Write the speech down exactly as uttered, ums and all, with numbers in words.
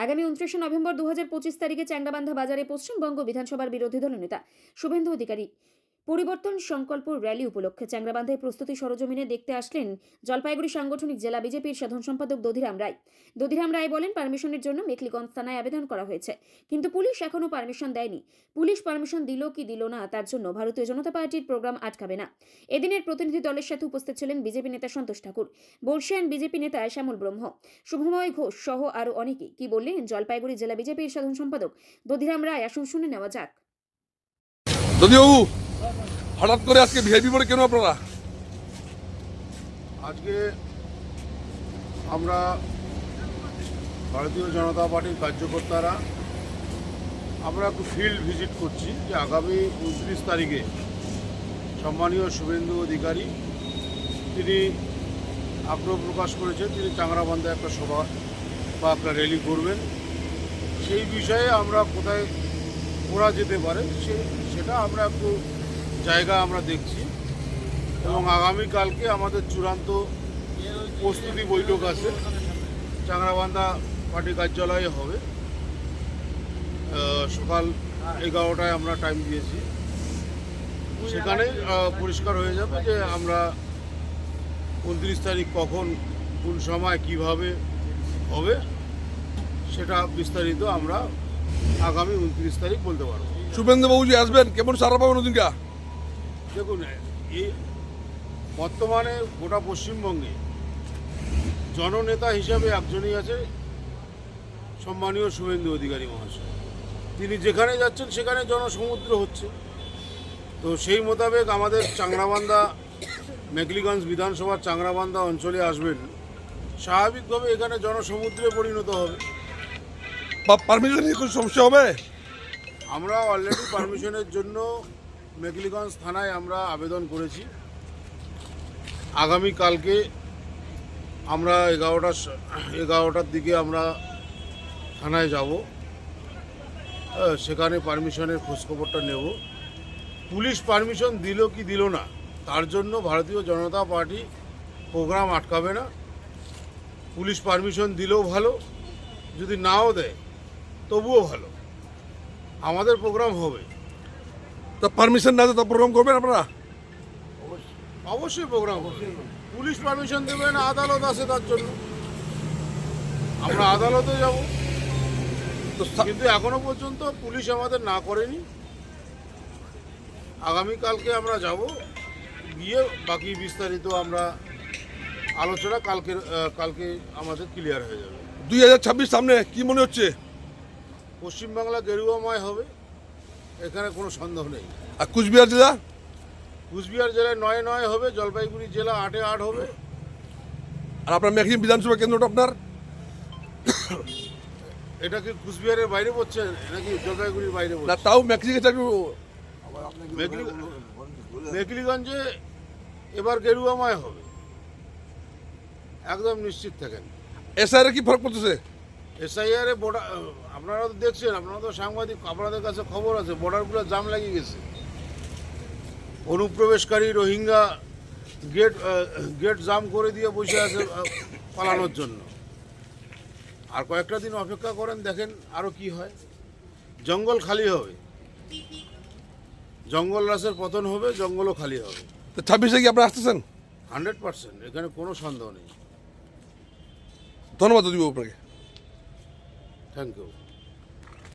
আগামী উনত্রিশে নভেম্বর দু হাজার পঁচিশ তারিখে চ্যাংড়াবান্ধা বাজারে পশ্চিমবঙ্গ বিধানসভার বিরোধী দলনেতা শুভেন্দু অধিকারী পরিবর্তন সংকল্প র্যালি উপলক্ষে চ্যাংড়াবান্ধায় প্রস্তুতি সরজমিনে দেখতে আসলেন জলপাইগুড়ি সাংগঠনিক জেলা বিজেপির সাধারণ সম্পাদক দধিরাম রায়। দধিরাম রায় বলেন, পারমিশনের জন্য মেখলিগঞ্জ থানায় আবেদন করা হয়েছে, কিন্তু পুলিশ এখনো পারমিশন দেয়নি। পুলিশ পারমিশন দিল কি দিল না তার জন্য ভারতীয় জনতা পার্টির প্রোগ্রাম আটকাবে না। এদিনের প্রতিনিধি দলের সাথে উপস্থিত ছিলেন বিজেপি নেতা সন্তোষ ঠাকুর, বর্ষিয়ান বিজেপি নেতা শ্যামল ব্রহ্ম, শুভময় ঘোষ সহ আরো অনেকে। কি বললেন জলপাইগুড়ি জেলা বিজেপির সাধারণ সম্পাদক দধিরাম রায়, আসুন শুনে নেওয়া যাক। দধিবাবু, হঠাৎ করে আজকে ভিআইপি মোড়ে কেন আপনারা? আজকে আমরা ভারতীয় জনতা পার্টির কার্যকর্তারা আমরা একটু ফিল্ড ভিজিট করছি যে আগামী উনত্রিশ তারিখে সম্মানীয় শুভেন্দু অধিকারী তিনি আগ্রহ প্রকাশ করেছেন তিনি চাংড়াবান্ধায় একটা সভা বা একটা র্যালি করবেন। সেই বিষয়ে আমরা কোথায় করা যেতে পারে সে সেটা আমরা একটু জায়গা আমরা দেখছি এবং আগামীকালকে আমাদের চূড়ান্ত প্রস্তুতি বৈঠক আছে, চাংড়াবান্ধা পার্টি কার্যালয়ে হবে। সকাল এগারোটায় আমরা টাইম দিয়েছি, সেখানে পরিষ্কার হয়ে যাবে যে আমরা উনত্রিশ তারিখ কখন কোন সময় কিভাবে হবে সেটা বিস্তারিত আমরা আগামী উনত্রিশ তারিখ বলতে পারবো। শুভেন্দুবাবু যে আসবেন, কেমন সারা পাবেন ওদিনকা? দেখুন, এই বর্তমানে গোটা পশ্চিমবঙ্গে জননেতা হিসাবে একজনই আছে, সম্মানীয় শুভেন্দু অধিকারী মহাশয়। তিনি যেখানে যাচ্ছেন সেখানে জনসমুদ্র হচ্ছে। তো সেই মোতাবেক আমাদের চাংড়াবান্ধা মেখলিগঞ্জ বিধানসভার চাংড়াবান্ধা অঞ্চলে আসবেন, স্বাভাবিকভাবে এখানে জনসমুদ্রে পরিণত হবে। বা পারমিশন নিয়ে কোনো সমস্যা হবে? আমরা অলরেডি পারমিশনের জন্য মেখলিগঞ্জ থানায় আমরা আবেদন করেছি। আগামীকালকে আমরা এগারোটা এগারোটার দিকে আমরা থানায় যাব, সেখানে পারমিশনের খোঁজখবরটা নেব। পুলিশ পারমিশন দিল কি দিল না তার জন্য ভারতীয় জনতা পার্টি প্রোগ্রাম আটকাবে না। পুলিশ পারমিশন দিলেও ভালো, যদি নাও দেয় তবুও ভালো, আমাদের প্রোগ্রাম হবে। তা পারমিশন না তা প্রোগ্রাম করবেন আপনারা? অবশ্যই প্রোগ্রাম হবে। পুলিশ পারমিশন দেবে না, আদালত আছে তার জন্য, আমরা আদালতে যাব। কিন্তু এখনো পর্যন্ত পুলিশ আমাদের না করেনি। আগামীকালকে আমরা যাব, গিয়ে বাকি বিস্তারিত আমরা আলোচনা কালকে কালকে আমাদের ক্লিয়ার হয়ে যাবে। দুই হাজার ছাব্বিশ সামনে, কি মনে হচ্ছে? পশ্চিমবাংলা গেরুয়াময় হবে, এখানে কোনো সন্দেহ নেই। আর কুচবিহার জেলা? কুচবিহার জেলায় নয় নয় হবে, জলপাইগুড়ি জেলা আটে আট হবে। আর আপনার মেখলিগঞ্জ বিধানসভা কেন্দ্রটা আপনার? এটা কি কুচবিহারের বাইরে পড়ছে নাকি জলপাইগুড়ির বাইরে না, পড়ছে? তাও মেখলিগঞ্জ একটু মেখলিগঞ্জে এবার গেরুয়াময় হবে, একদম নিশ্চিত থাকেন। এসআইআর কি ফরক পড়তেছে? এসআইআর এ বর্ডার আপনারা তো দেখছেন, আপনারা তো সাংবাদিক, আপনাদের কাছে খবর আছে, বর্ডারগুলো জাম লাগিয়ে গেছে। অনুপ্রবেশকারী রোহিঙ্গা গেট গেট জাম করে দিয়ে বসে আছে পালানোর জন্য। আর কয়েকটা দিন অপেক্ষা করেন, দেখেন আরও কি হয়। জঙ্গল খালি হবে, জঙ্গল রাসের পতন হবে, জঙ্গলও খালি হবে। তো ছাব্বিশে কি আপনারা আসতেছেন? হান্ড্রেড পার্সেন্ট, এখানে কোনো সন্দেহ নেই। ধন্যবাদ দিদি আপনাকে। Thank you.